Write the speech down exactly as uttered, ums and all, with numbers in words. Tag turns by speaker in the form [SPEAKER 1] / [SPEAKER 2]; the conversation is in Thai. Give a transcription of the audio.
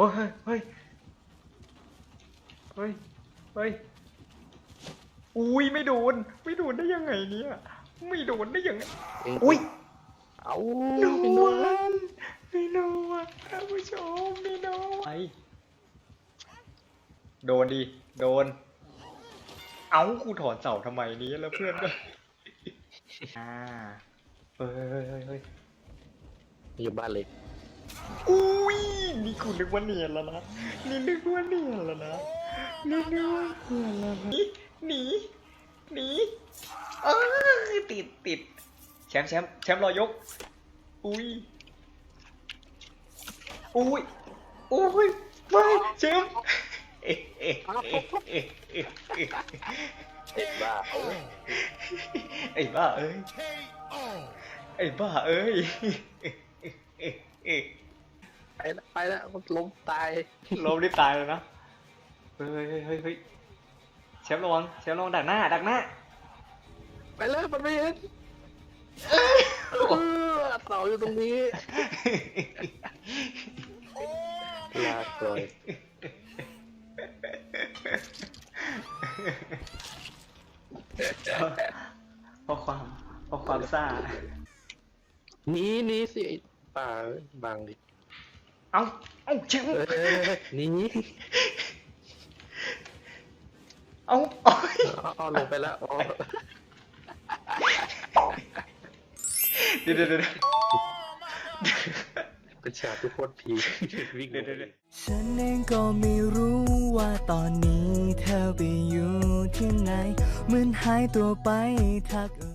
[SPEAKER 1] ฮ้ยเฮ้ยเฮ้ยเฮ้ยอุ้ยไม่โดนไม่โดนได้ยังไงเนี่ยไม่โดนได้ยังไงอุ้ย
[SPEAKER 2] เอา
[SPEAKER 1] โด
[SPEAKER 2] ไม่โดน
[SPEAKER 1] นไม่โดนท่านผู้ชมไม่โดนไอโดนดิโดนเอ้ากูถอนเสาทำไมนี้แล้วเพื่อนก็อ่าเฮ้ยเฮ้ยเฮ้ยเฮ้ย
[SPEAKER 2] อยู่บ้านเล็ก
[SPEAKER 1] อุ้ยนี่กูนึกว่าเนียนแล้วนะนี่นึกว่าเนียนแล้วนะนี่นึกว่าเนียนแล้วนะหนีหนีเออติดติดแชมป์แชมป์แชมป์รอยกอุ้ยอุ้ยอุ้ยไม่แชมป์เอ๊ะเอ๊ะเอ๊ะเอ๊ะเอ๊ะเอ๊ะ
[SPEAKER 2] เอ็ดบ้าเอ้ย
[SPEAKER 1] ไอ้บ้าเอ้ยไอ้บ้าเอ้ย
[SPEAKER 2] ไปแล้วไปแล้วมันล้มตาย
[SPEAKER 1] ล้มได้ตายเลยนะเฮ้ยเฮ้ยเฮ้ยเฮ้ยแชมป์ระวังแชมป์ระวังดักหน้าดักหน้า
[SPEAKER 2] ไปเลยมันไม่เห็นเออเสาอยู่ตรงนี้ลาก่อย
[SPEAKER 1] เพราะความเพราะความซ่า
[SPEAKER 2] หนีหนีสิไอ้ป่าบางดิ
[SPEAKER 1] เอ้าเอ้าแชมป์
[SPEAKER 2] เออหนี
[SPEAKER 1] เอ้าโอ้ย
[SPEAKER 2] เอาลงไปแล้วอ๋อ
[SPEAKER 1] เดี๋ยวเดี๋ยวเดี๋ยว
[SPEAKER 2] เป็นฉากทุกคนผีวิ่ง
[SPEAKER 1] เดี๋ยวเดี๋ยว
[SPEAKER 3] ฉันเองก็ไม่รู้ว่าตอนนี้เธอไปอยู่ที่ไหนเหมือนหายตัวไปทัก